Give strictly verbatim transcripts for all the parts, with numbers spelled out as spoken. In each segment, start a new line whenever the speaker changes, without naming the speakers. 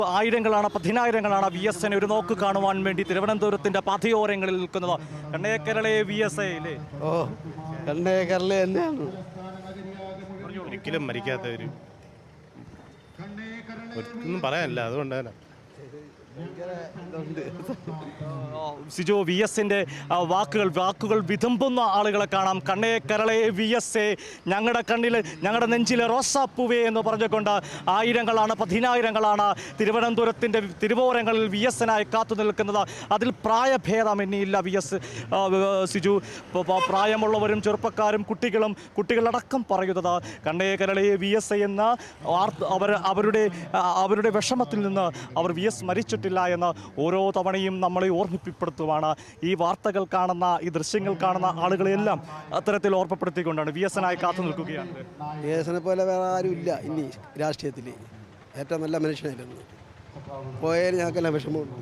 ആയിരങ്ങളാണ് പതിനായിരങ്ങളാണ് V S എനെ ഒരു നോക്ക് കാണുവാൻ വേണ്ടി തിരുവനന്തപുരത്തിന്റെ പാതയോരങ്ങളിൽ നിൽക്കുന്നത്. കണ്ണേ കേരളേ വി എസ് എ
ഓ കണ്ണേ കേരള തന്നെയാണ്.
ഒരിക്കലും മരിക്കാത്തവര് ഒന്നും പറയാനില്ല, അതുകൊണ്ടാണ്
സിജോ വി എസിന്റെ വാക്കുകൾ വാക്കുകൾ വിതുമ്പുന്ന ആളുകളെ കാണാം. കണ്ണേ കരളെ വി എസ് എ, ഞങ്ങളുടെ കണ്ണിൽ ഞങ്ങളുടെ നെഞ്ചിലെ റോസാപ്പൂവേ എന്ന് പറഞ്ഞുകൊണ്ട് ആയിരങ്ങളാണ് പതിനായിരങ്ങളാണ് തിരുവനന്തപുരത്തിൻ്റെ തിരുവോരങ്ങളിൽ വി എസിനായി കാത്തു നിൽക്കുന്നത്. അതിൽ പ്രായഭേദമന്യില്ല വി എസ് സിജു. പ്രായമുള്ളവരും ചെറുപ്പക്കാരും കുട്ടികളും കുട്ടികളടക്കം പറയുന്നത് കണ്ണേ കരളെ വി എസ് എ എന്ന അവർ അവരുടെ അവരുടെ വിഷമത്തിൽ നിന്ന് അവർ വി എസ് മരിച്ചിട്ടില്ല എന്ന് ഓരോ തവണയും നമ്മളെ ഓർമ്മിപ്പിപ്പെടുത്തുവാണ്. ഈ വാർത്തകൾ കാണുന്ന ഈ ദൃശ്യങ്ങൾ കാണുന്ന ആളുകളെല്ലാം അത്തരത്തിൽ ഓർമ്മപ്പെടുത്തിക്കൊണ്ടാണ് വി എസ് എനായി കാത്തു നിൽക്കുകയാണ്.
വി എസിനെ പോലെ വേറെ ആരും ഇല്ല ഇനി രാഷ്ട്രീയത്തിൽ. ഏറ്റവും നല്ല മനുഷ്യനായിരുന്നു. പോയാൽ ഞങ്ങൾക്കെല്ലാം വിഷമമുണ്ട്.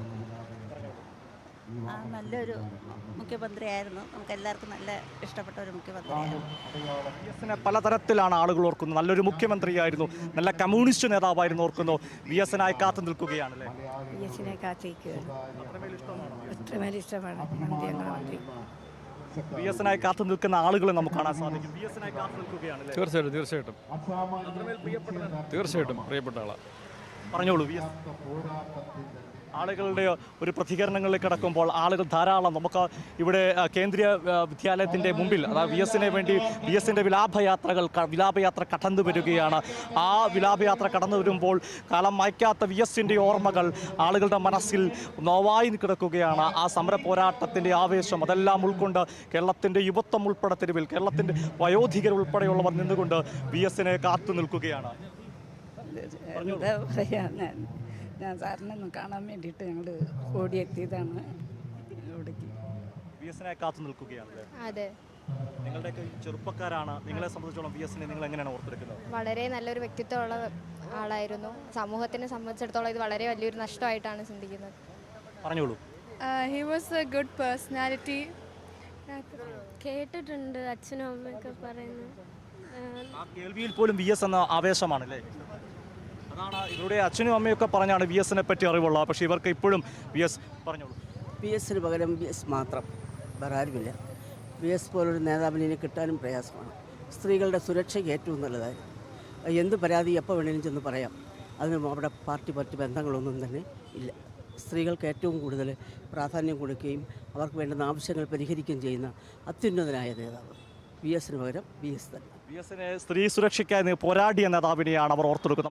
നല്ലൊരു മുഖ്യമന്ത്രിയായിരുന്നു. നമുക്ക് എല്ലാവർക്കും നല്ല ഇഷ്ടപ്പെട്ട ഒരു മുഖ്യമന്ത്രിയായിരുന്നു.
വി എസിനെ പലതരത്തിലാണ് ആളുകൾ ഓർക്കുന്നത്. നല്ലൊരു മുഖ്യമന്ത്രിയായിരുന്നു, നല്ല കമ്മ്യൂണിസ്റ്റ് നേതാവായിരുന്നു ഓർക്കുന്നു. വി എസിനായി കാത്തു നിൽക്കുകയാണല്ലേ?
വി എസിനെ കാത്തിരിക്കുകയാണ്. അത്രമേൽ ഇഷ്ടമാണ് മന്ത്രി.
വി എസിനായി കാത്തു നിൽക്കുന്ന ആളുകളെ നമുക്ക് കാണാൻ സാധിക്കും. വി എസിനായി കാത്തു നിൽക്കുകയാണല്ലേ?
തീർച്ചയായിട്ടും തീർച്ചയായിട്ടും തീർച്ചയായിട്ടും പ്രിയപ്പെട്ട ആളാണ്.
പറഞ്ഞോളൂ. വി എസ് ആളുകളുടെ ഒരു പ്രതികരണങ്ങളിലേക്ക് കടക്കുമ്പോൾ ആളുകൾ ധാരാളം നമുക്ക് ഇവിടെ കേന്ദ്രീയ വിദ്യാലയത്തിൻ്റെ മുമ്പിൽ അതായത് വി എസിനെ വേണ്ടി വി എസിൻ്റെ വിലാപയാത്രകൾ വിലാപയാത്ര കടന്നു വരികയാണ്. ആ വിലാപയാത്ര കടന്നു വരുമ്പോൾ കാലം മായ്ക്കാത്ത വി എസിൻ്റെ ഓർമ്മകൾ ആളുകളുടെ മനസ്സിൽ നോവായി കിടക്കുകയാണ്. ആ സമര പോരാട്ടത്തിൻ്റെ ആവേശം അതെല്ലാം ഉൾക്കൊണ്ട് കേരളത്തിൻ്റെ യുവത്വം ഉൾപ്പെടെ തെരുവിൽ കേരളത്തിൻ്റെ വയോധികർ ഉൾപ്പെടെയുള്ളവർ നിന്നുകൊണ്ട് വി എസിനെ കാത്തു നിൽക്കുകയാണ്.
എന്താ പറയാ, ഞാൻ ഞാൻ സാറിനൊന്നും കാണാൻ വേണ്ടിയിട്ട് ഞങ്ങൾ ഓടിയെത്തിയതാണ് ഇവിടേക്ക്.
വി എസിനെ കാത്തു നിൽക്കുകയാണല്ലേ?
അതെ.
നിങ്ങളുടെയൊക്കെ ചെറുപ്പക്കാരാണ്. നിങ്ങളെ സംബന്ധിച്ചോളം വി എസിനെ നിങ്ങൾ എങ്ങനെയാണ് ഓർത്തെടുക്കുന്നത്?
വളരെ നല്ലൊരു വ്യക്തിത്വമുള്ള ആളായിരുന്നു. സമൂഹത്തിനെ സംബന്ധിച്ചിടത്തോളം ഇത് വളരെ വലിയൊരു നഷ്ടമായിട്ടാണ് ചിന്തിക്കുന്നത്.
പറഞ്ഞോളൂ.
He was a good personality.
കേട്ടിട്ടുണ്ട് അച്ഛനും അമ്മയൊക്കെ പറയുന്നു.
ആ കേൾവിയിൽ പോലും വി എസ് എന്ന ആവേശമാണല്ലേ? അതാണ് ഇവരുടെ അച്ഛനും അമ്മയൊക്കെ പറഞ്ഞാണ് വി എസിനെ പറ്റി അറിവുള്ള. പക്ഷേ ഇവർക്ക് ഇപ്പോഴും വി എസ് പറഞ്ഞോളൂ.
വി എസിന് പകരം വി എസ് മാത്രം, വേറെ ആരുമില്ല. വി എസ് പോലൊരു നേതാവിനെ കിട്ടാനും പ്രയാസമാണ്. സ്ത്രീകളുടെ സുരക്ഷയ്ക്ക് ഏറ്റവും നല്ലതായിരുന്നു. എന്ത് പരാതി എപ്പോൾ വേണമെങ്കിലും ചെന്ന് പറയാം. അതിനും അവിടെ പാർട്ടി പാർട്ടി ബന്ധങ്ങളൊന്നും തന്നെ ഇല്ല. സ്ത്രീകൾക്ക് ഏറ്റവും കൂടുതൽ പ്രാധാന്യം കൊടുക്കുകയും അവർക്ക് വേണ്ടുന്ന ആവശ്യങ്ങൾ പരിഹരിക്കുകയും ചെയ്യുന്ന അത്യുന്നതനായ നേതാവ് വി എസിന് പകരം വി എസ് തന്നെ.
വി എസിനെ സ്ത്രീ സുരക്ഷയ്ക്കായി പോരാടിയ നേതാവിനെയാണ് അവർ ഓർത്തെടുക്കുന്നത്.